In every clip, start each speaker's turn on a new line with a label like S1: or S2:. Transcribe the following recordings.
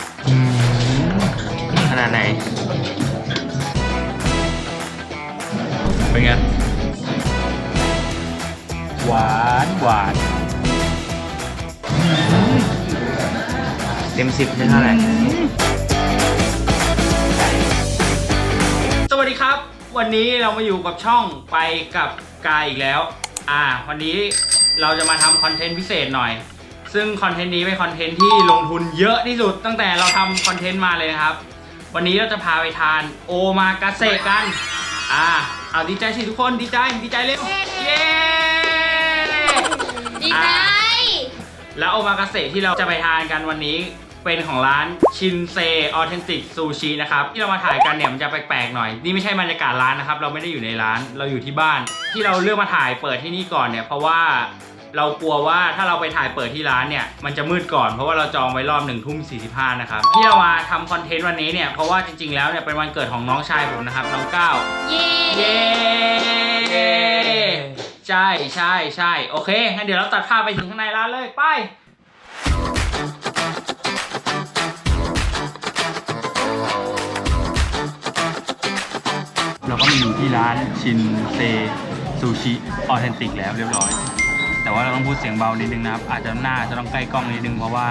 S1: ขนาดไหนเป็นไงหวานหวานเต็ม10ได้เท่าไหร่สวัสดีครับวันนี้เรามาอยู่กับช่องไปกับกายอีกแล้ววันนี้เราจะมาทำคอนเทนต์พิเศษหน่อยซึ่งคอนเทนต์นี้เป็นคอนเทนต์ที่ลงทุนเยอะที่สุดตั้งแต่เราทำคอนเทนต์มาเลยนะครับวันนี้เราจะพาไปทานโอมากาเสะกันเอาดีใจสิทุกคนดีใจเร็วเย้
S2: ดีใจ
S1: แล้วโอมากาเสะที่เราจะไปทานกันวันนี้เป็นของร้านชินเซออเทนติกซูชินะครับที่เรามาถ่ายกันเนี่ยมันจะแปลกๆหน่อยนี่ไม่ใช่บรรยากาศร้านนะครับเราไม่ได้อยู่ในร้านเราอยู่ที่บ้านที่เราเลือกมาถ่ายเปิดที่นี่ก่อนเนี่ยเพราะว่าเรากลัวว่าถ้าเราไปถ่ายเปิดที่ร้านเนี่ยมันจะมืดก่อนเพราะว่าเราจองไว้รอบ1:45นะครับที่เรามาทำคอนเทนต์วันนี้เนี่ยเพราะว่าจริงๆแล้วเนี่ยเป็นวันเกิดของน้องชายผมนะครับน้องก้าว
S2: เย้
S1: ใช่โอเคงั้นเดี๋ยวเราตัดภาพไปถึงข้างในร้านเลยไปเราก็มาอยู่ที่ร้านชินเซซูชิออเทนติกแล้วเรียบร้อยแต่ว่าเราต้องพูดเสียงเบานิดนึงนะครับอาจจะหน้าจะต้องใกล้กล้องนิดนึงเพราะว่า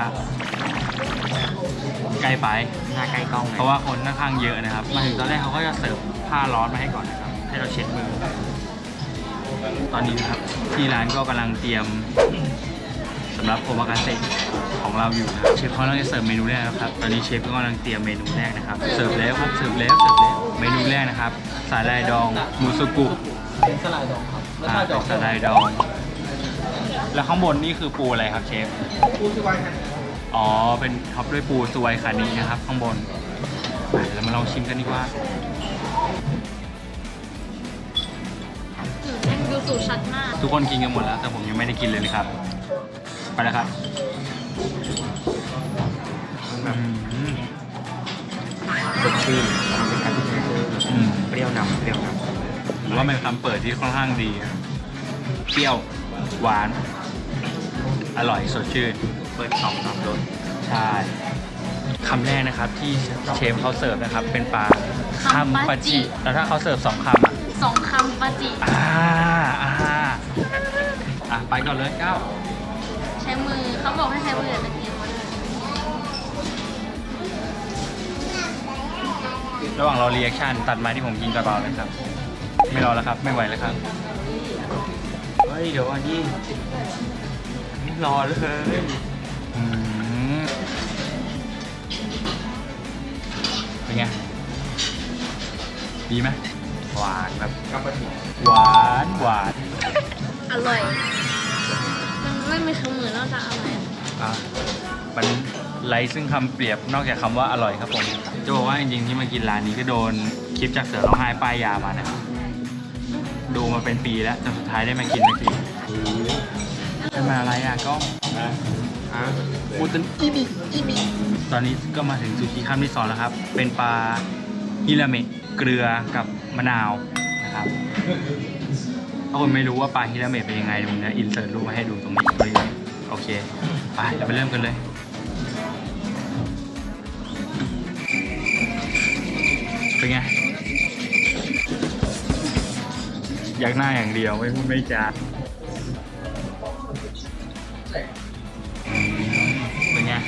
S1: ใกล้ไปหน้าใกล้กล้องเพราะว่าคนค่อนข้างเยอะนะครับมาถึงตอนแรกเขาก็จะเสิร์ฟผ้าร้อนมาให้ก่อนนะครับให้เราเช็ดมือตอนนี้นะครับที่ร้านก็กำลังเตรียมสำหรับโอมากาเสะของเราอยู่นะครับเชฟเขากำลังจะเสิร์ฟเมนูแรกครับตอนนี้เชฟก็กำลังเตรียมเมนูแรกนะครับเสิร์ฟแล้วครับเสิร์ฟแล้วเมนูแรกนะครับสาหร่ายดองมูสุกุ
S3: เป็นสาหร่ายดองครับไม่ใช่ดอง
S1: สาหร่ายดองแล้วข้างบนนี่คือปูอะไรครับเชฟ
S3: ปูสวายคัน
S1: อ๋อเป็นท็อปด้วยปูสวายคานีนะครับข้างบนไปเรามาลองชิมกันดีกว่า
S2: ดูสูตรชัดมาก
S1: ทุกคนกินกันหมดแล้วแต่ผมยังไม่ได้กินเลยนะครับไปแล้วครับ
S3: สดชื่นเป็นการที่เปรี้ยวนำ
S1: หรือว่าเป็นคำเปิดที่ค่อนข้างดีเปรี้ยวหวานอร่อยสดชื่น
S3: เปิด2 รส
S1: ใช่คำแรกนะครับที่เชฟเขาเสิร์ฟนะครับเป็นปลาคัมปาจิแล้วถ้าเขาเสิร์ฟ2 คำ
S2: 2 คำปาจิ
S1: ไปก่อนเลยก้าว
S2: ใช้มือเขาบอกให้ใช้มือตะเกียบ
S1: ระหว่างรอรีแอคชั่นตัดมาที่ผมกินกระเป๋าเลยครับไม่รอแล้วครับไม่ไหวแล้วครับเฮ้ยเดี๋ยวอันนี้ไม่รอเลยเป็นไงดีไหมหวานแบบหวาน
S2: อร่อยมันไม่มีคำอื่นนอกจากอร่อย
S1: มันไร้ซึ่งคำเปรียบนอกจากคำว่าอร่อยครับผมจะบอกว่าจริงๆที่มากินร้านนี้ก็โดนคลิปจากเสือร้องไห้ป้ายยามานะครับดูมาเป็นปีแล้วจนสุดท้ายได้มากินสักทีเป็นมาอะไรก็ปูตันอีบีตอนนี้ก็มาถึงซูชิคำที่2แล้วครับเป็นปลาฮิราเมะเกลือกับมะนาวนะครับถ้าคนไม่รู้ว่าปลาฮิราเมะเป็นยังไงผมจะอินเสิร์ตรูปมาให้ดูตรงนี้โอเคไปเราไปเริ่มกันเลยเป็นไงอยากหน้าอย่างเดียวไม่พูดไม่จาเป็นไง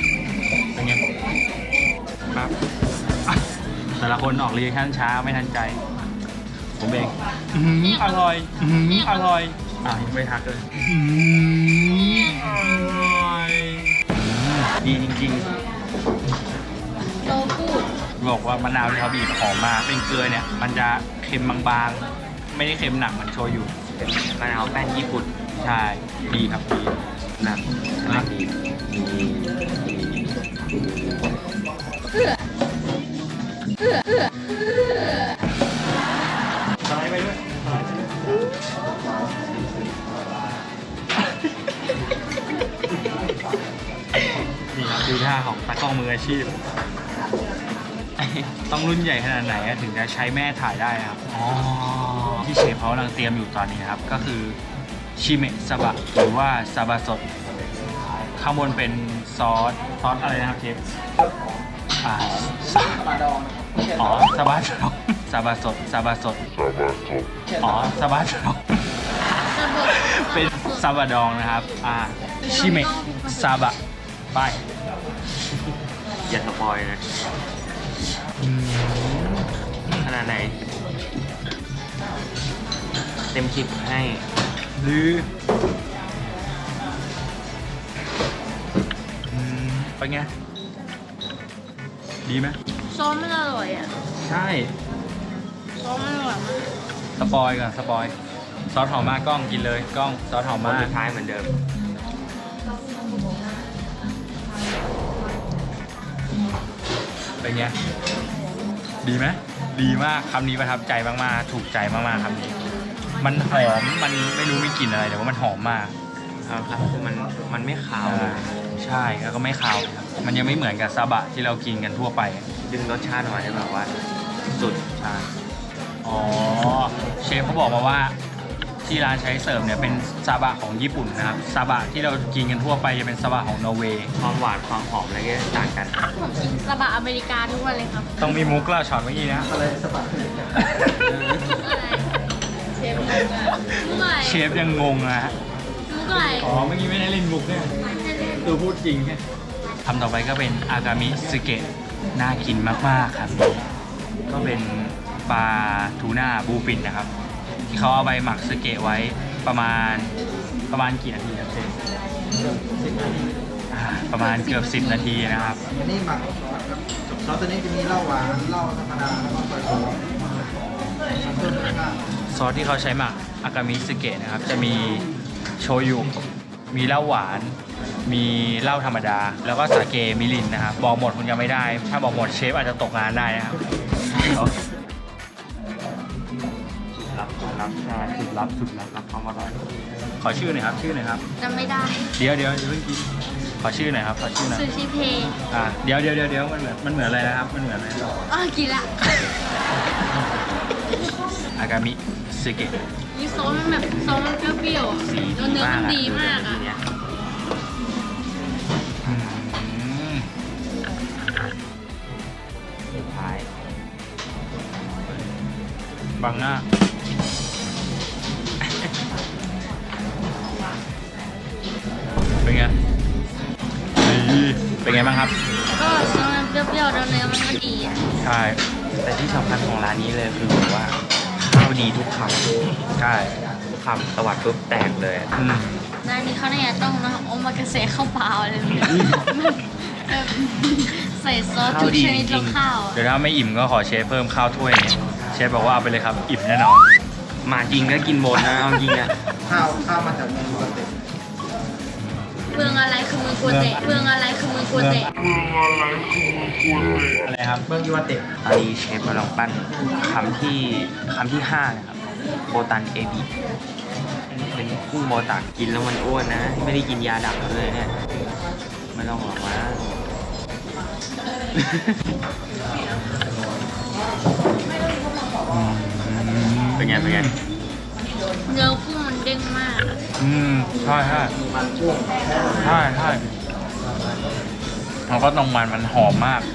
S1: ครับแต่ละคนออกรีแอคชั่นช้าไม่ทันใจผมเองอร่อยยังไม่ทักเลยอร่อยดีจริง
S2: โตพูด
S1: บอกว่ามะนาวที่เขาบีบหอมมากเป็นเกลือเนี่ยมันจะเค็มบางๆไม่ได้เค็มหนักเหมือนโชยุ
S3: เป็นมะนาวแป้นญี่ปุ่น
S1: ใช่ดีครับดีหนักสไลด์ไปด้วยนี่ครับดูท่าของตากล้องมืออาชีพต้องรุ่นใหญ่ขนาดไหนถึงจะใช้แม่ถ่ายได้ครับที่เชฟเขากำลังเตรียมอยู่ตอนนี้ครับก็คือชิเมะซาบะหรือว่าซาบะสดข้างบนเป็นซอสอะไรนะครับเชฟซาบะดองอ๋อซาบะดองซาบะสดซาบะสดอ๋อซาบะดองเป็นซาบะดองนะครับชิเมะซาบะไป
S3: อย่าสปอยนะขนาดไหน เต็ม10ให้
S1: หรือเป็นไง ดีไหม
S2: ซอสมันอร่อยอ่ะ
S1: ใช่
S2: ซอสมันอร่อยมาก
S1: สปอยก่อนสปอยซอสหอมมากกล้องกินเลยกล้องซอสหอม
S3: มา
S1: มา
S3: สุ
S1: ก
S3: ดท้ายเหมือนเดิม
S1: เป็นไง ดีไหมดีมากคำนี้ประทับใจมากๆถูกใจมากๆคำนี้ มันหอมมันไม่รู้มีกลิ่นอะไรแต่ว่ามันหอมมาก
S3: ครับคือมันไม่ขาวเลย
S1: ใช่แล้วก็ไม่คาวเลยครับมันยังไม่เหมือนกับซาบะที่เรากินกันทั่วไป
S3: ดึงรสชาติออกมาได้แบบว่าสุด
S1: ใช่อ๋อเชฟเขาบอกมาว่าที่ร้านใช้เสิร์ฟเนี่ยเป็นซาบะของญี่ปุ่นนะครับซาบะที่เรากินกันทั่วไปจะเป็นซาบะของนอร์เวย์
S3: ความหวานความหอมอะไรก็ต่างกัน
S2: ผมกินซาบะอเมริกาทุกวันเลยครับ
S1: ต้องมีมุกเล่าช็อตเมื่อกี้นะ
S2: อะไรเชฟมุกอะไร
S1: เชฟยังงงนะฮะ
S2: มุกอะไร
S1: อ๋อเมื่อกี้ไม่ได้เล่นมุกเนี่ยคือพูดจริงแค่คำต่อไปก็เป็นอากามิสึเกะน่ากินมากๆครับก็เป็นปลาทูน่าบูฟินนะครับที่เขาเอาไปหมักสึเกะไว้ประมาณกี่นาทีครับเชฟประมาณเกือบ10 นาทีนะครับ
S4: อันนี้หมักซอสตัวนี้จะมีเหล้าหวานเหล้าธรรมดาแล้วก็ซอยโซ่เพิ่มรสชาติ
S1: ซอสที่เขาใช้หมักอากามิสึเกะนะครับจะมีโชยุมีเหล้าหวาน มีเหล้าธรรมดา แล้วก็สาเกมิรินนะครับบอกหมดคงจะไม่ได้ ถ้าบอกหมดเชฟอาจจะตกงานได้นะครับ
S3: รับใช่สุดรับความอร่อย
S1: ขอชื่อหน่อยครับชื่อหน่อยครับ
S2: จำไม่ได้
S1: เดี๋ยวอย่าเพิ่งกินขอชื่อหน่อยครับขอชื่อหน่อย
S2: ซูชิเพย์
S1: เดี๋ยวมันเหมือนอะไรนะครับมันเหมือนอะไร
S2: อ๋อกินละ
S1: อากามิสึเกะ
S2: นี่ซอสมันแบบซอสมันเปรี้ยวๆอ่ะ
S3: สี
S2: แล้วเนื้อมันดีมากอ่ะ
S3: ทีเนี้ย สุดท้าย
S1: บังหน้าเป็นไงดีเป็นไงบ้างครับ
S2: ก็ซอสมันเปรี้ยวๆแล้วเนื้อมันก็ดีอ่ะ
S1: ใช่
S3: แต่ที่สำคัญของร้านนี้เลยคือแบบว่าข้าวดีทุกค
S1: ใช่
S3: ำทุกคำตวัดปุ๊บแตกเลย
S2: ร้านนี้เขาเนี่ยต้องนะโอมากาเสะข้าวเปล่าเลยแบบใส่ซอสทุกชนิดลงข้าวอะ
S1: เดี๋ยวถ้าไม่อิ่มก็ขอเชฟเพิ่มข้าวถ้วยนี้เชฟบอกว่าเอาไปเลยครับอิ่มแน่นอน
S3: มาจริงก็กินหมดนะเอาจริงอ่ะ
S4: ข้าวมาจากเมืองปกติ
S2: เมืองอะไรคือเมืองกัวเตะเมืองอะไรคือเมืองกัวเตะ
S1: อะไรครับ
S4: เมืองยูวาเตะ
S3: ตอนนี้เชฟกำลังปั้นคำที่5นะครับโบตันเอบิเป็นกุ้งโบตันกินแล้วมันอ้วนนะ ไม่ได้กินยาดักเลยเนี่ยไม่ต้องหรอกว่า เป็นไง
S2: เนื้อกุ้งมันเด้งมากอะ
S1: ใช่
S4: มันช่วง
S1: แล้วก็ตรงมันหอมมาก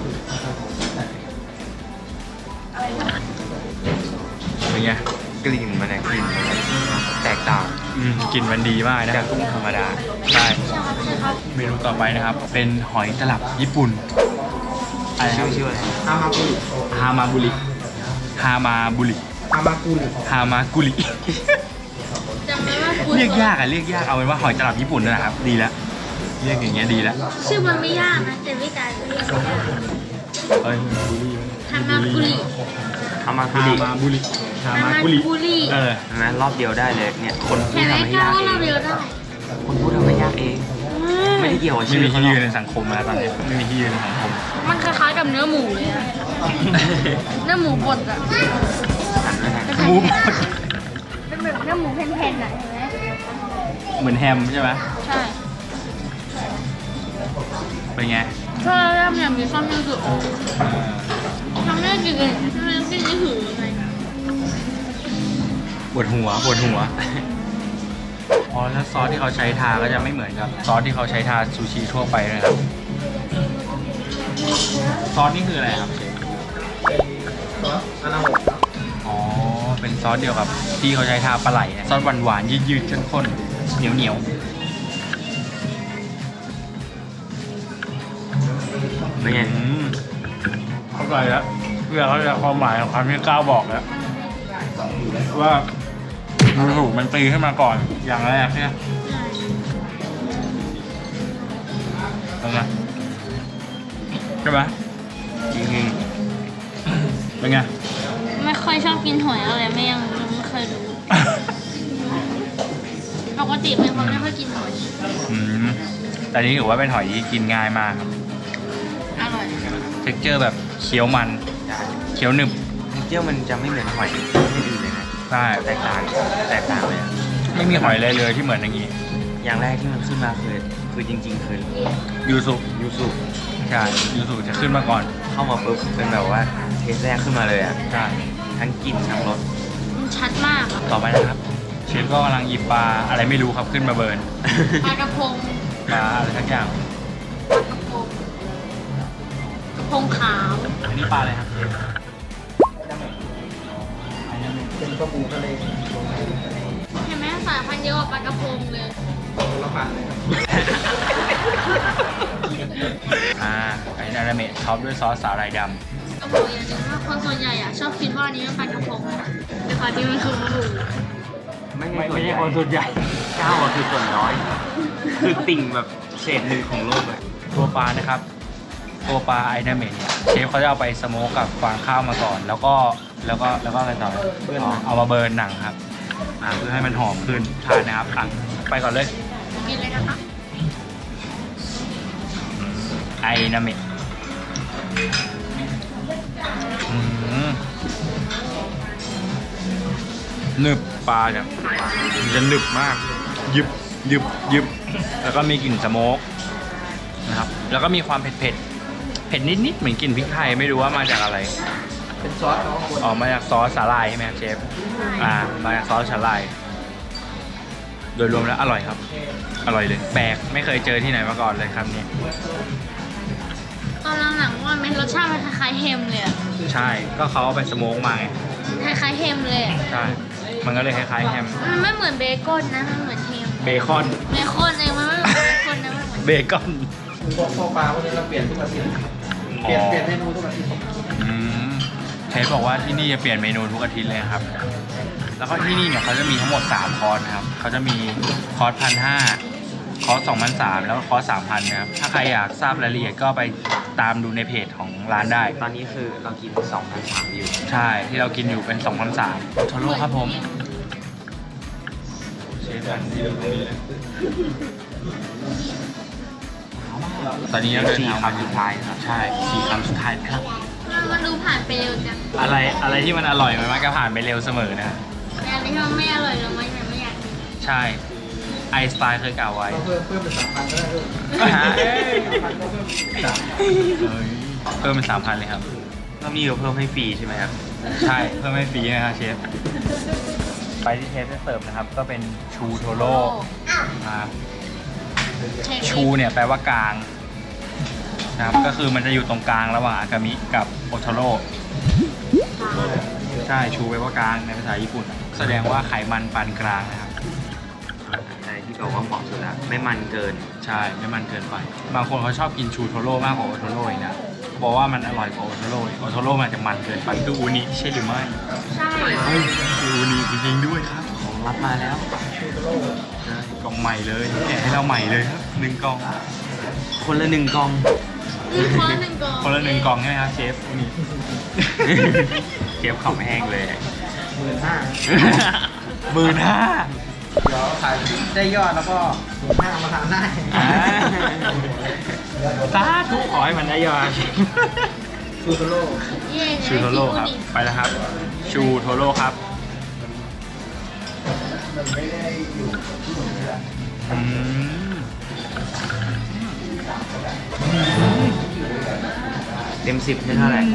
S1: เป็นไง
S3: กลิ่นมันเนี่ยกลิ่นมันแตกต่าง
S1: กลิ่นมันดีมากนะ
S3: จากกุ้งธรรมดา
S1: ใช่
S2: ใช่ครับ
S1: เมนูต่อไปนะครับ เป็นหอยตลับญี่ปุ่นอะไรครับ
S3: ชื่ออะไร
S4: ฮามากุริ
S1: ฮามาบุริฮามาบุริ
S4: ฮามากุริ
S1: ฮามากุริ
S2: จำไม่ว่าคุณ
S1: เรียกยากเอาเป็นว่าหอยตลับญี่ปุ่นนั่นแหละครับ ดีแล้วเรียกอย่างเงี้ยดีแล้ว
S2: ชื่อมันไม่ยากนะแต่วิธีเรียกยาก
S1: เอ้ย
S2: ฮามากุริ
S3: ฮามาคุ
S1: ฮา
S3: ริ
S1: มาบุริฮา
S2: ฮา
S1: มา
S2: มา
S1: กุริ
S2: กุริ
S1: เออ
S3: เห็นไหมรอบเดียวได้เลยเนี่ยคนพู
S2: เห็
S3: ด
S2: นไหม
S3: ทำให้
S2: แค่
S3: ยาก
S2: ว่า
S3: เอ
S2: เรา
S3: ง
S2: เดียวได้
S3: คนพูดทำให้ยากเอง ไม่ได้เกี่ยวกับ
S1: ไม่
S3: ชื่อ
S1: มี
S3: เขา
S1: ที่
S3: หร
S1: ยื
S3: อน ก
S1: ในสังคมนะตอนนี้ไม่มีที่ยืนในสังคม
S2: มันคล้ายๆกับเนื้อหมูเลยอะเนื้อหมูบดอะ
S3: หันด้วยนะ
S1: หมูบด
S2: เป็นแบบเนื้อหมูแผ่นๆอะเห็นไหม
S1: เหมือนแฮมใช่ไหม
S2: ใช่
S1: เป็นไง
S2: ถ้าเริ่มเนี่ยมีความรู้สึกทำให้กินทำให้กินไม่หือไง
S1: ปวดหัวอ๋อแล้วซอสที่เขาใช้ทาก็จะไม่เหมือนกับซอสที่เขาใช้ทาซูชิทั่วไปเลยครับซอสนี่คืออะไรครับเชฟ
S4: ซอสอานาโมะครับ
S1: อ๋อ เป็นซอสเดียวกับที่เขาใช้ทาปลาไหลนะซอสหวานๆยืดๆเข้มข้นเหนียว
S3: ไม่ไง
S1: เข้าใจแล้วเพื่อเขาจะความหมายของคำที่ก้าวบอกแล้วว่าถูกมันตีขึ้นมาก่อนอย่างแรกใช่ไหมเป็นไงใช่ไหม
S3: จริง
S1: เป็นไง
S2: ไม่ค่อยชอบกินหอยอะไรไม่เคยรู้ ปกติเป็นคนไม่ค่อยกินหอย
S1: อืมแต่นี้ถือว่าเป็นหอยที่กินง่ายมากครับ
S2: อร่อย
S1: เท็กเจอร์แบบเคี้ยวมัน
S3: ๆใช่
S1: เคี้ยวหนึบ
S3: เที่ยวมันจะไม่เหมือนหอยที่อื่นเลยนะ
S1: ใช่
S3: แตกต่างเลยอะ
S1: ไม่มีหอยเลยที่เหมือนอย่างนี้
S3: อย่างแรกที่มันขึ้นมาคือจริง ๆ คือ
S1: ยูสุ
S3: ยูสุ
S1: ใช่ยูสุจะขึ้นมาก่อน
S3: เข้ามาปุ๊บเป็นแบบว่าเทสแรกขึ้นมาเลยอ่ะ
S1: ใช่
S3: ทั้งกลิ่นทั้งรส
S2: มันชัดมากอะ
S1: ต่อไปนะครับเชฟก็กำลังหยิบปลาอะไรไม่รู้ครับขึ้นมาเบิร์น
S2: ปลากระพง
S1: ปลาอะไรสักอย่าง
S2: กระพงขาว
S1: อันนี้ปลาอะไรครับ
S4: เป็นปลาบูทะเล
S2: เห็นไหมสายพันธุ์เยอะกว่าปลากระพงเลย
S4: คนละพันเลยครับ
S1: ไอ้นาราเมะท็อปด้วยซอสสาหร่ายด
S2: ก็บอกอย่างหนึงว่าคนส่วนใหญ่อะชอบคิดว่าอันนี้เป็นปลากระพงแต่ความจริงมันคือปลาบู
S1: ำไม่ใช่คนส่วนใหญ่
S3: เก้าอะคือส่วนน้อย คือติ่งแบบเศษหนึ่งของโลกเลย
S1: ตัวปลานะครับ ตัวปลาไอ้นาเมะเนี่ยเชฟเขาจะเอาไปสโมกกับฟางข้าวมาก่อน แล้วก็อะไรต่อเอามาเบิร์นหนังครับเพื่อให้มันหอมขึ้นทานนะครับไปก่อนเลย
S2: กินเลยนะคะ
S1: ไอนาเมะหนึบปลาเนี่ยมันจะหนึบมากยึบแล้วก็มีกลิ่นสโมกนะครับแล้วก็มีความเผ็ดนิดๆเหมือนกลิ่นพริกไทยไม่รู้ว่ามาจากอะไร
S4: เป็นซอสเขาคน
S1: ออกมาจากซอสสาหร่ายใช่ไหมครับเชฟมาจากซอสสาหร่ายโดยรวมแล้วอร่อยครับ อร่อยเลยแปลกไม่เคยเจอที่ไหนมาก่อนเลยครับเนี่ย
S2: ตอนหลังๆว่ามันรสชาติมันคล้ายๆเฮมเลยอะ
S1: ใช่ก็เขาเอาไปสโมกมาไง
S2: คล้ายๆเฮมเลยอะ
S1: ใช่มันก็เลยคล้ายๆแฮม
S2: มันไม่เหมือนเบคอนนะ มันเหมือนเฮม
S1: เบคอน
S2: เบคอนเองมันไม่เหมือนเบคอนนะมันเหมือน
S1: เบคอน
S4: พวกปลาพวกนี้เราเปลี่ยนทุกอาทิตย์เปลี่ยนเมนูทุกอาทิตย์
S1: อืมเชฟบอกว่าที่นี่จะเปลี่ยนเมนูทุกอาทิตย์เลยครับ แล้วก็ที่นี่เนี่ยเขาจะมีทั้งหมด3คอร์สนะครับเขาจะมีคอร์ส1,500คอร์ส2,300แล้วก็คอร์ส3,000นะครับถ้าใครอยากทราบรายละเอียดก็ไปตามดูในเพจของร้านได้
S3: ตอนนี้คือเรากิน2,300อยู่
S1: ใช่ที่เรากินอยู่เป็น2,300โทโร่ครับผมเชฟตอนนี้เราเดินทางมา
S3: 4 คำสุดท้ายนะครับ
S1: ใช่4 คำสุดท้ายครับ
S2: มันดูผ่านไปเร็วจัง
S1: อะไรที่มันอร่อยมันมักจะผ่านไปเร็วเสมอนะ
S2: แต่อันนี้ที่มันไม่อร่อยเราไม่อยากกิน
S1: ใช่ไอน์สไตน์เคยกล่าวไว้
S4: เพิ่มเป็น3,000ก็ได้ด้วย
S1: เพิ่มเป็น3,000เลยครับ
S3: รอบนี้เราเพิ่มให้ฟรีใช่ไหมครับ
S1: ใช่เพิ่มให้ฟรีนะครับเชฟไปที่เชฟจะเสิร์ฟนะครับ ก็เป็นชูโทโร่นะครับชูเนี่ยแปลว่ากลางนะครับก็คือมันจะอยู่ตรงกลางระหว่างอากามิกับโอโทโร่ใช่ชูแปลว่ากลางในภาษาญี่ปุ่น แสดงว่าไขมันปานกลางนะครับ
S3: อะไรที่บอกว่าเหมาะสุดละไม่มันเกิน
S1: ใช่ไม่มันเกินไป บางคนเขาชอบกินชูโทโร่มากกว่าโอโทโร่อีกนะบอกว่ามันอร่อยกว่าโอโทโร่อีกโอโทโร่มันจะมันเกินไปคืออูนิใช่หรือไม่
S2: ใช่
S1: เฮ้ยคืออูนิจริงๆด้วยครับ
S3: ของรับมาแล้ว
S1: ใช่กล่องใหม่เลยแกะให้เราใหม่เลยครับ1 กล่อง
S3: คนละ1 กล่อง
S2: คนละหนึ่งกล่อง
S1: คนละ1 กล่องใช่ไหมครับเชฟนี่ เชฟขำแห้งเลย
S4: 15,000
S1: 15,000
S4: เดี๋ยวขายได้ยอดแล้วก็15,000มาทานได้
S1: สาธุขอให้มันได้ยอด
S4: ชูโตโร่
S2: เย่
S1: ชูโทโร่ครับ ไปแล้วครับ ชูโทโร่ครับอืม
S3: เต็ม 10ให้เท่าไหร่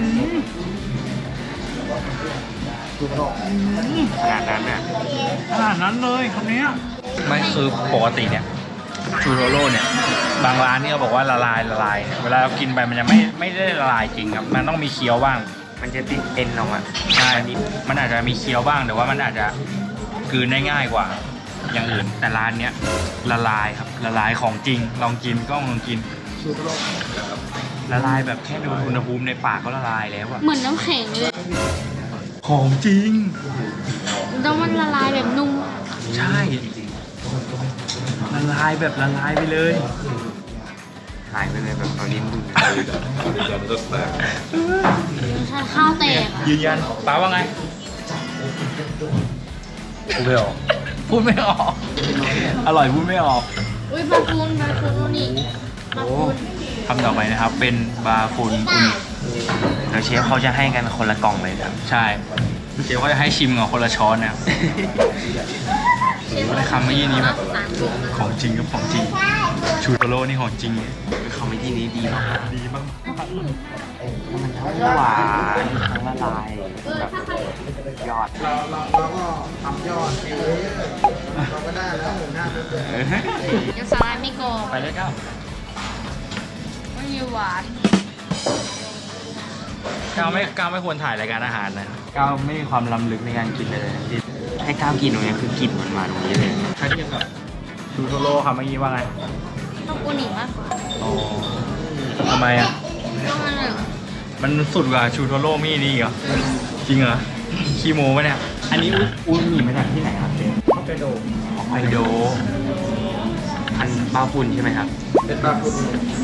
S4: ชูโตโร่
S3: ขนาดนั้นน่ะ
S1: ขนาดนั้นเลยคำนี้ไม่คือปกติเนี่ยชูโทโร่เนี่ยบางร้านนี่เขาบอกว่าละลายเวลาเรากินไปมันจะไม่ได้ละลายจริงครับมันต้องมีเคี้ยวบ้าง
S3: มันจะติดเอ็นออกมา
S1: ใช่มันอาจจะมีเคี้ยวบ้างแต่ว่ามันอาจจะกลืนได้ง่ายกว่าอย่างอื่นแต่ร้านเนี้ยละลายครับละลายของจริงลองกินก็ลองกิน
S4: ชูโร
S1: ละลายแบบแค่ดูอุณหภูมิในปากก็ละลายแล้วอะ
S2: เหมือนน้ำแข็งเลย
S1: ของจริง
S2: แล้วมันละลายแบบนุ่ม
S1: ใช่ละลายแบบละลายไปเลย
S3: หายไปเลยแบบเอาลิ้นดู
S2: ใช่ข้าวแตกอะ
S1: ยืนยันป้าว่าไงพูดไม่ออกพูดไม่ออกอร่อยพูดไม่ออก
S2: อุ้ยบาฟูนนี่บาฟูน
S1: คำต่อไปนะครับเป็นบาฟุนอุนิ
S3: เดี๋ยวเชฟเขาจะให้กันคนละกล่องเลยครับ
S1: ใช่เชฟเขาจะให้ชิมกับคนละช้อนนะครับ
S2: เชฟ
S1: อะไรคำเมื่อกี้นี้แบบ
S2: สามถุง
S1: ของจริงครับของจริงชูโตโร่นี่ของจริง
S3: คอมเมดี้นี้ดีมาก
S1: ดีมาก
S3: มันทั้งหวานทั้งละลายแบบยอด
S4: เราก็ทำยอดเองเราก็ได้แล้ว15,000
S2: ยังสลายไม่กรอบ
S1: ไปเลยก้าว
S2: ไม่มีหวาน
S1: ก้าวไม่ควรถ่ายรายการอาหารนะก้าวไม่มีความล้ำลึกในการกินเลย
S3: ให้ก้าวกินตรงนี้คือกลิ่นมันมาตรงนี้เลย
S1: ถ้าเทียบกับชูโตโร่ครับเมื่อกี้ว่าไง
S2: ชอบอูนิมากกว่า
S1: อ๋อทำไมอ่ะ
S2: เพราะมันแบบ
S1: มันสุดกว่าชูโตโร่มี่นี่เหรอ จริงเหรอขี้โม้ปะเนี่ย อันนี้อุ้ยมีมาจากที่ไหนครับเชฟ
S4: เขาไปโด
S1: ฮอกไกโด
S3: อันปลาฝุ่นใช่ไหมครับ
S4: เป็นปลาคุณ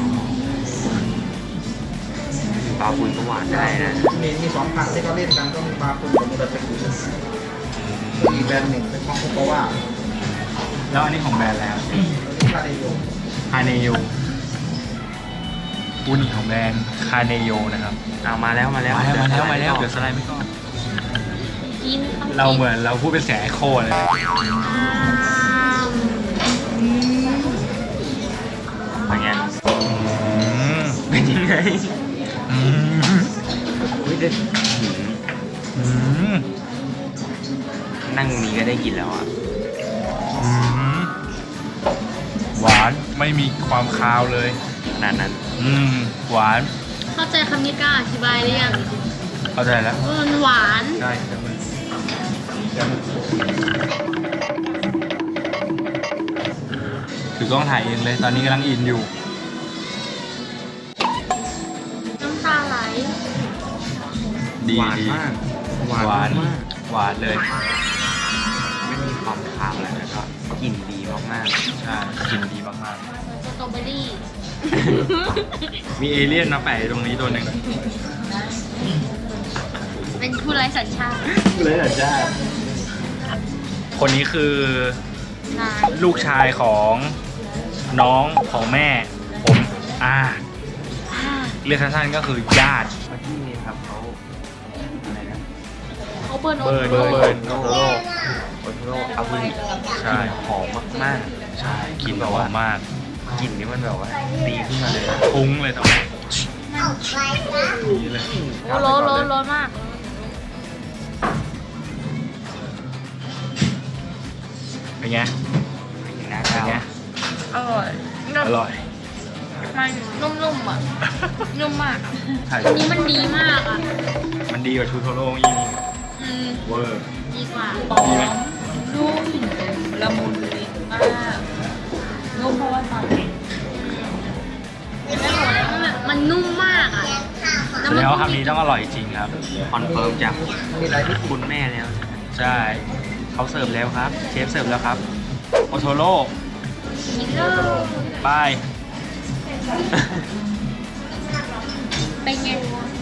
S3: ปลาฝุ่นก็หวานได้นะ
S4: มีสองผักที่เขาเล่นกันก็มีปลาคุณกับมูราเตกุอีกแบรนด์หนึ่งเป็นของคุกาวะ
S1: แล้วอันนี้ของแบรนด์แล้ว
S4: นี่คาเดโย
S1: คาเนโยอุนิของแบรนด์คาเนโยนะครับ
S3: เอามาแล้ว
S1: มาแล้วเดี๋ยวสไลด์ไม่ก่อน
S2: กินต้องกิน
S1: เราเหมือนเราพูดเป็นเสียงไอโคเลย
S3: เป็นไง
S1: อืม
S3: เป็นยังไง
S1: อืม
S3: อุ้ยเด็ด
S1: อืม
S3: นั่งตรงนี้ก็ได้กินแล้วอ่ะ
S1: อืมหวานไม่มีความคาวเลย
S3: ขนาดนั้น
S1: หวาน
S2: เข้าใจคำนี้กล้าอธิบายหรือยัง
S1: เข้าใจแล้ว
S2: ว่ามันหวาน
S1: ใช่ถือกล้องถ่ายเองเลย ตอนนี้กำลังอินอยู่
S2: น้ำตาไหล
S1: ดี
S3: หวาน
S1: ดี
S3: มาก
S1: หวาน
S3: มาก
S1: หวานเลย
S3: ไม่มีความคาวเลยแล้วก็กลิ่นดีมาก
S1: ใช่กลิ่นดีมาก
S2: สตรอเบอรี่
S1: ๆ มีเอเลี่ยนมาแปะอยู่ตรงนี้ตัวหนึ่ง
S2: เป็นผู้ไร้สัญชาติ
S1: เลยเหรอจ้าคนนี้คือ
S2: นาย
S1: ลูกชายของน้องของแม่ ผมเรียกสั้นๆก็คือญาติ
S3: ๆแล้วที่นี่ครับเขาอะไรนะ
S2: เขาเบิร์น
S1: เบิร์น
S2: โอโ
S1: เบิร์นโตโร่
S3: โอโทโร่อาบุริ
S1: ใช่
S3: หอมมาก
S1: ใช่กลิ่นแบบว่ามาก
S3: ๆกลิ่นนี้มันแบบว่าตีขึ้นมาเลย
S1: ฟุ้งเลยตรงนี้นี่เลย
S2: อ้โร้อนมาก
S1: เป็นไง
S3: นะค
S1: เป็
S3: รั
S1: น
S3: บ
S1: ไง
S2: อร่อย
S1: อร่อย
S2: มันนุ่มๆอ่ะ นุ่มมาก
S1: ใช่
S2: อันนี้มันดีมากอ่ะ
S1: มันดีกว่าชูโทโร่ยิ่ง
S2: อืม
S1: เวอร์
S2: ดีกว่า
S1: ดีไหม
S2: นุ่มละมุนลิ้นมากนุ่มเพราะว่าตอนมันนุ่มมากอ่ะ
S1: แสดงว่าคำนี้ต้องอร่อยจริงครับ
S3: คอนเฟิร์มจาก
S4: มีหลายที่
S3: คุณแม่แล้ว
S1: ใช่เขาเสิร์ฟแล้วครับ เชฟเสิร์ฟแล้วครับ โอโทโร่
S2: กินเลย
S1: บาย
S2: เป็นไง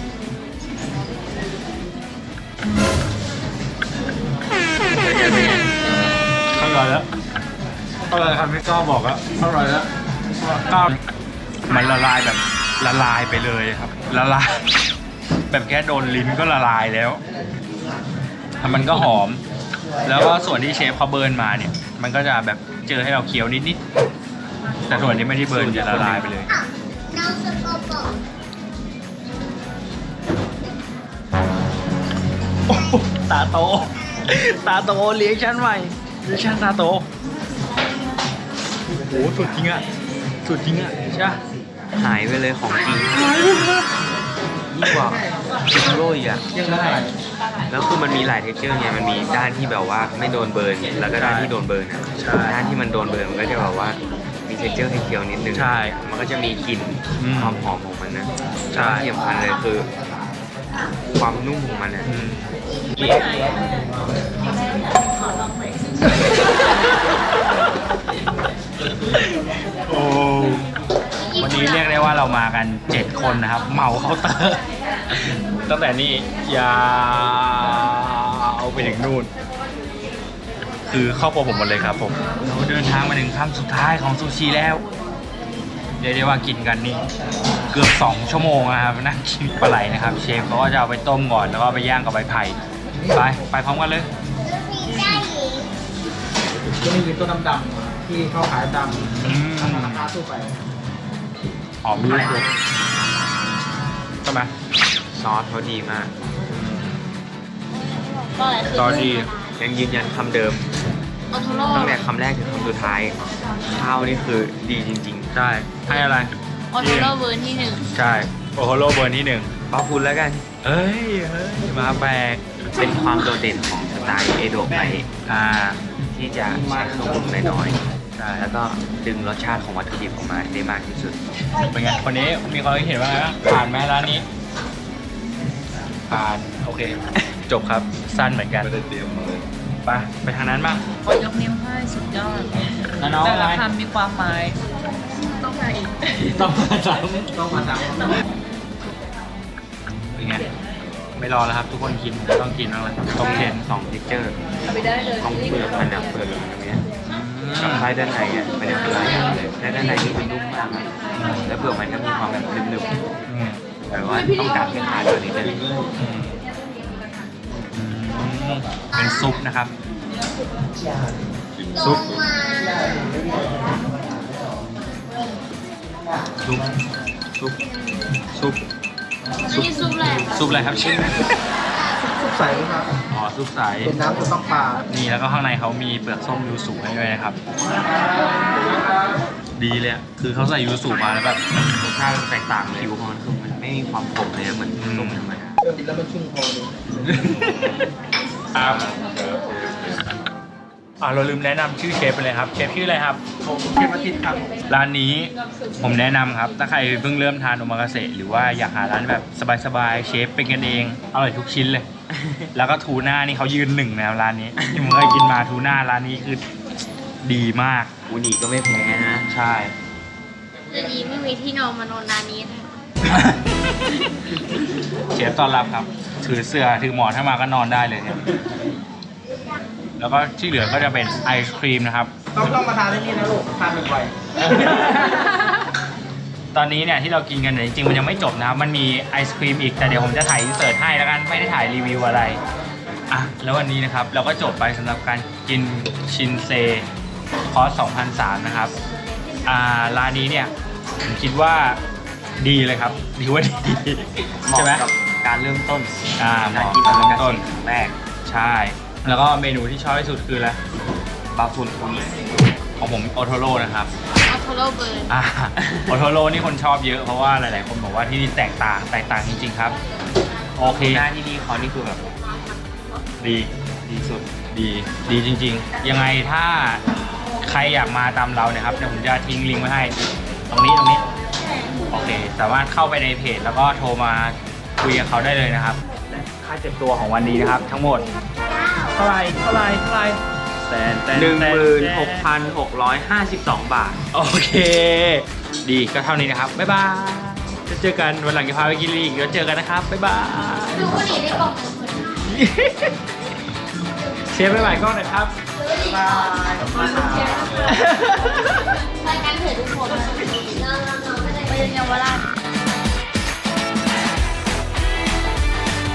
S1: อร่อยแล้วอร่อยครับพี่ก้อบอกแล้วอร่อยแล้วก็มันละลายแบบละลายไปเลยครับ ละลาย แบบแค่โดนลิ้นก็ละลายแล้วแล้วมันก็หอม แล้วก็ส่วนที่เชฟเขาเบิร์นมาเนี่ย มันก็จะแบบเจอให้เราเคี้ยวนิดๆแต่ส่วนที่ไม่ได้เบิร์นจะละลายไปเลย โอ้โหตาโต ตาโตเลี้ยงฉันใหม่เลี้ยงฉันตาโตโอ้โหสุดจริงอะสุดจริงอะช่
S3: หายไปเลยของจริงยิ่งกว่าซุปโรยอ่ะ
S4: ยังได้
S3: แล้วคือมันมีหลายเท็กเจอร์ไงมันมีด้านที่แบบว่าไม่โดนเบิร์นแล้วก็ด้านที่โดนเบิร์นอ่ะด้านที่มันโดนเบิร์นมันก็จะแบบว่ามีเท็กเจอร์เคี้ยวๆนิดนึง
S1: ใช่
S3: มันก็จะมีกลิ่น
S1: อืม
S3: ความหอมของมันนะ
S1: ใช่
S3: ที่สำคัญเลยคือ ความนุ่มของมันนะ
S1: อืมโอ้วันนี้เรียกได้ว่าเรามากัน 7 คนนะครับ เหมาเคาน์เตอร์ ตั้งแต่นี่ยาวไปถึงนู่น คือครอบครัวผมหมดเลยครับผม เราเดินทางมาถึงค่ำสุดท้ายของซูชิแล้ว เรียกได้ว่ากินกันนี่เกือบ2 ชั่วโมงนะครับนั่งกินปลาไหลนะครับเชฟเขาก็จะเอาไปต้มก่อนแล้วก็เอาไปย่างกับใบไผ่ไปพร้อมกันเลย
S4: จะมีเป็นตัวดำๆที่เขาขายตาม
S1: อืม
S4: ราคาทั่วไป
S1: หอมด้วยใช่ไหม
S3: ซอสเขาดีมาก
S2: ก็อะไรคือ
S1: ซอสดี
S3: ยังยืนยันคำเดิม
S2: โอโทโร่
S3: ตั้งแต่คำแรกถึงคำสุดท้ายข้าวนี่คือดีจริง
S1: ใช่ให้อะไร
S2: โอโทโร่เวอร์ที่ 1
S1: ใช่โอโฮโร่เบอร์ที่
S3: ๆเป้าคุณแล้วกัน
S1: 1เอ้ยมาแปลก
S3: เป็นความโดดเด่นของสไตล์เอโดะไป
S1: อ่า
S3: ที่จะใช้เครื่องปรุงน้อย
S1: ใช่
S3: ๆแล้วก็ดึงรสชาติของวัตถุดิบออกมาได้มากที่สุด
S1: เป็นไงคนนี้มีความคิดเห็นว่าไงบ้างผ่านไหมร้านนี้ผ่านโอเค จบครับสั้นเหมือนกันไปทางนั้นบ้าง
S5: ขอยกนิ้วให้สุดยอด
S1: แล้วน้อง
S5: แต่ละ
S1: ไง
S5: คำมีความหมาย ต้องมาอีก
S1: ต้องมาซ้
S4: ต้องมาตาม
S1: ำเป็นไงไม่รอแล้วครับ ทุกคนกินต้องกินแล้วต้องเทน
S3: 2 เท็กเจอร์
S5: เอาไปได้เลย
S3: ต้องเปลือกมันนะเปลือกมันตรงเนี้ยกับไส้ด้านในอ่ะมันจะคืออะไรเลยและด้านในนี่มันนุ่มมากอะแล้วเปลือกมันก็มีความแบบนึบ
S1: อืม
S3: ๆแต่ว่าต้องการให้ทานตัวนี้เลย
S1: เป็นซุปนะครับ ซุป ซุป ซุป ซุป
S2: นี่ซุปอะไร
S1: ซุปอะไรครับชื่อ
S4: ซุปใสครับ
S1: อ๋อ ซุปใส
S4: เป็นน้ำจะต้องปลา
S1: นี่แล้วก็ข้างในเขามีเปลือกส้มยูสุให้ด้วยนะครับ ดีเลยอะคือเขาใส่ยูสุมาแล้วแบบ
S3: รสชาติมันแตกต่างเลยผิวของมันคือมันไม่มีความขมเลยนะเหมือนส้มธรรมดา
S4: กินแล้วมันชุ่มคอเลย
S1: ครับเราลืมแนะนำชื่อเชฟไปเลยครับ เชฟชื่ออะไรครับ
S4: ผมเทพอาทิตย์ครับ
S1: ร้านนี้ผมแนะนำครับ ถ้าใครเพิ่งเริ่มทานโอมากาเสะหรือว่าอยากหาร้านแบบสบายๆเชฟเป็นกันเองอร่อยทุกชิ้นเลย แล้วก็ทูน่านี่เขายืนหนึ่งนะครับร้านนี้ที่ผมเคยกินมาทูน่าร้านนี้คือดีมาก
S3: อูนิก็ไม่แพ้นะ
S1: ใช่
S2: จะดีไม่มีที่นอนมานอนนานนี้เลย
S1: เชฟต้อนรับครับ ถือเสื้อถือหมอนถ้ามาก็นอนได้เลยเนี่ยแล้วก็ที่เหลือก็จะเป็นไอศครีมนะครับ
S4: ต้องมาทานที่นี่นะลูกทานบ่อย
S1: ตอนนี้เนี่ยที่เรากินกันเนี่ยจริงๆมันยังไม่จบนะครับ มันมีไอศครีมอีกแต่เดี๋ยวผมจะถ่ายอินเสิร์ตให้แล้วกันไม่ได้ถ่ายรีวิวอะไรอ่ะแล้ววันนี้นะครับเราก็จบไปสำหรับการกินชินเซคอร์ส 2,300 นะครับร้านนี้เนี่ยผมคิดว่าดีเลยครับดีว่าดี
S3: เหมาะ
S1: ใช่ไหม
S3: กับการเริ่มต้น
S1: เหมาะ
S3: กิน
S1: กับ
S3: โอ
S1: เริ่
S3: มาม กา
S1: ต้น
S3: เสะครั้งแรก
S1: ใช่ แล้วก็เมนูที่ชอบที่สุดคืออะไร
S3: บาฟุนอูนิ
S1: ของผมโอโทโร่นะครับ
S2: โอโทโร่เบิร์น
S1: โอโทโร่นี่คนชอบเยอะเพราะว่าหลายๆคนบอกว่าที่นี่แตกต่างจริงๆครับ โอเค
S3: หน้าที่นี่เขานี่คือแบบ
S1: ดี
S3: ดีสุด
S1: ดีจริงๆ ยังไงถ้าใครอยากมาตามเราเนี่ยครับเดี๋ยวผมจะทิ้งลิงก์ไว้ให้ตรงนี้โอเคสามารถเข้าไปในเพจแล้วก็โทรมาคุยกับเขาได้เลยนะครับค่าเจ็บตัวของวันนี้นะครับ ทั้งหมดเท่าไหร่
S3: 16,652 บาท
S1: โอเค ดีก็เท่านี้นะครับบ๊ายบายจะเจอกันวันหลังจะพาไปกินอีกเดี๋ยวเจอกันนะครับบ๊ายบาย
S2: ดูคนนี้ได้กล่องหนึ่งคน
S1: เชฟบ๊ายบายกล้องหน่อยครับ
S2: รายการเถื่อนทุกคนไปเยาวราช